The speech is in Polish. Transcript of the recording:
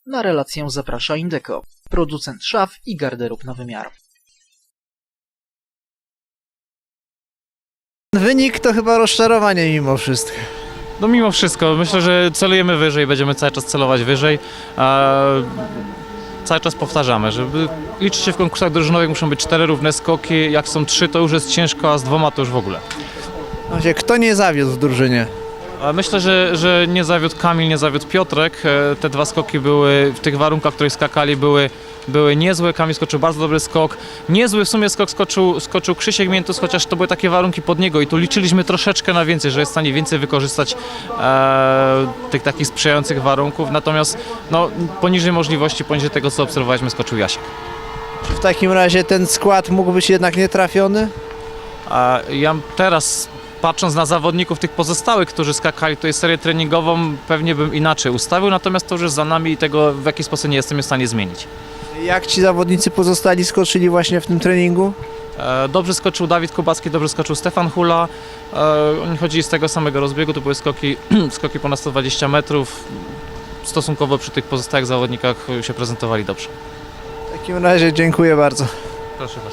Na relację zaprasza Indeco, producent szaf i garderób na wymiar. Wynik to chyba rozczarowanie mimo wszystko. No mimo wszystko, myślę, że celujemy wyżej, będziemy cały czas celować wyżej. Cały czas powtarzamy, żeby liczyć się w konkursach drużynowych muszą być 4 równe skoki, jak są 3 to już jest ciężko, a z 2 to już w ogóle. Właśnie, kto nie zawiódł w drużynie? Myślę, że nie zawiódł Kamil, nie zawiódł Piotrek. Te 2 skoki były w tych warunkach, w których skakali, były niezłe. Kamil skoczył bardzo dobry skok. Niezły w sumie skok skoczył Krzysiek Miętus, chociaż to były takie warunki pod niego i tu liczyliśmy troszeczkę na więcej, że jest w stanie więcej wykorzystać tych takich sprzyjających warunków. Natomiast no, poniżej możliwości, poniżej tego co obserwowaliśmy, skoczył Jasiek. Czy w takim razie ten skład mógł być jednak nietrafiony? Ja teraz, patrząc na zawodników tych pozostałych, którzy skakali tutaj serię treningową, pewnie bym inaczej ustawił, natomiast to już jest za nami i tego w jakiś sposób nie jestem w stanie zmienić. Jak ci zawodnicy pozostali skoczyli właśnie w tym treningu? Dobrze skoczył Dawid Kubacki, dobrze skoczył Stefan Hula. Oni chodzili z tego samego rozbiegu, to były skoki ponad 120 metrów. Stosunkowo przy tych pozostałych zawodnikach się prezentowali dobrze. W takim razie dziękuję bardzo. Proszę bardzo.